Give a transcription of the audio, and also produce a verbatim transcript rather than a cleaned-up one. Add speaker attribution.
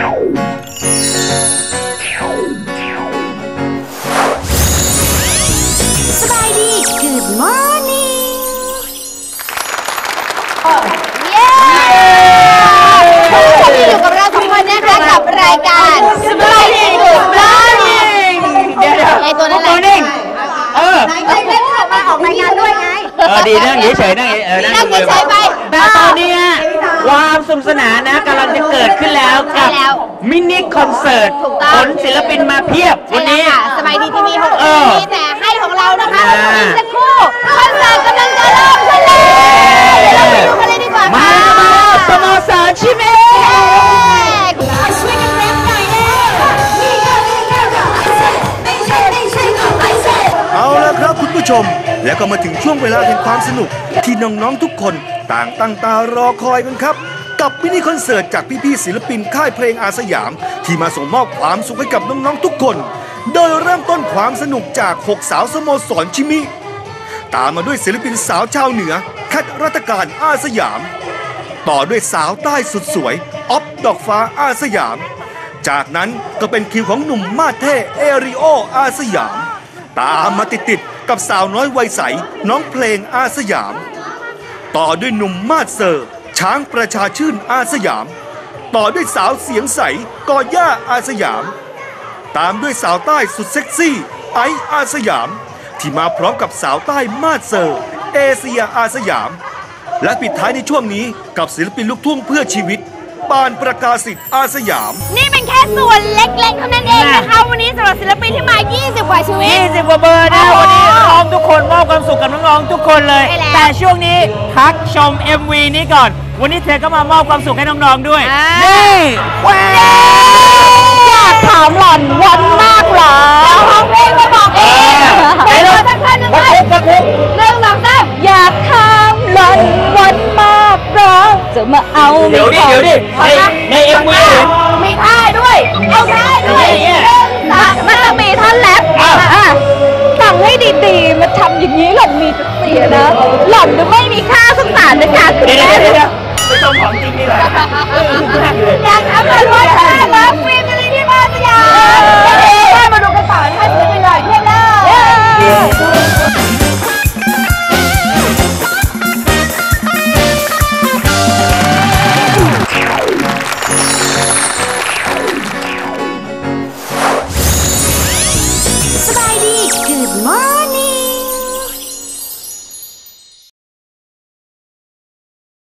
Speaker 1: สบายดี Good morning เย้วันนี้อยู่กับเราสองคนนะคะกับรายการสบายดี Good morning
Speaker 2: เดี๋ยวเดี๋ยว
Speaker 1: ไอตัวนั้นแหละเออไอ้เล่นออกมาออกรายงานด้วยไง
Speaker 2: เออดีนั่งเฉยๆนั่งเออนั่งเฉยๆ
Speaker 1: ไป
Speaker 2: แต่ตอนนี้ความสนุกสนานนะกำลังจะเกิดขึ้นแล้วกับมินิคอนเสิร์ตขนศิลปินมาเพียบวันนี้
Speaker 1: สบายดีทีวีของเรามีแต่ให้ของเรานะคะอีกสักครู่คอนเสิร์ตกำลังจะเริ่มขึ้นแล้วเราไปดูกันเลยดีกว่า
Speaker 2: มามาสโมสรชิเม
Speaker 3: เอาละครับคุณผู้ชมแล้วก็มาถึงช่วงเวลาแห่งความสนุกที่น้องๆทุกคนต่างตั้งตารอคอยกันครับกับมินิคอนเสิร์ตจากพี่ๆศิลปินค่ายเพลงอาสยามที่มาส่งมอบความสุขให้กับน้องๆทุกคนโดยเริ่มต้นความสนุกจากหกสาวสโมสรชิมิตามมาด้วยศิลปินสาวชาวเหนือแคทรัตการอาสยามต่อด้วยสาวใต้สุดสวยอ๊อฟดอกฟ้าอาสยามจากนั้นก็เป็นคิวของหนุ่มมาเท่เอริโออาสยามตามมาติดๆกับสาวน้อยวัยใสน้องเพลงอาสยามต่อด้วยหนุ่มมาดเซอร์ช้างประชาชื่นอาสยามต่อด้วยสาวเสียงใสกอย่าอาสยามตามด้วยสาวใต้สุดเซ็กซี่ไออาสยามที่มาพร้อมกับสาวใต้มาดเซอร์เอเชียอาสยามและปิดท้ายในช่วงนี้กับศิลปินลูกทุ่งเพื่อชีวิตปานประกาศิษย์อาสยาม
Speaker 1: นี่เป็นแค่ส่วนเล็กๆเท่านั้นเองนะคะวันนี้สำหรับศิลปินที่มายี่สิบกว่าชีวิต
Speaker 2: ยี่สิบกว่าเบอร์นะวันนี้น้องทุกคนมอบความสุขกับน้องๆทุกคนเลยแต่ช่วงนี้พักชม เอ็ม วี นี้ก่อนวันนี้เธอก็มามอบความสุขให้น้องๆด้วยนี่แหว
Speaker 1: อยากถามหล่อนวันมากเหรอแล้วร้องเพลงมาบอกเองไปเลยสักท่านหนึ่งเลยหนึ่งสองสามอยากถามหล่อนวันมากเหรอจะมาเอา
Speaker 2: เดี๋ยวดิเดี๋ยวดิใน เอ็ม วี
Speaker 1: มีท่าด้วยเอาท่าด้วยมันจะมีท่อนแรปฟังให้ดีๆมาทำอย่างนี้หล่อนมีเสียนะหล่อนจะไม่มีค่าสงสารในการ
Speaker 2: เดี๋ยวเดี๋ยวเดี๋ยวไปชมของจริงนี่แหละ
Speaker 1: อยากทำอะไรว่าท่าเลิฟฟิล์มอะไรที่บ้านสยามมาดู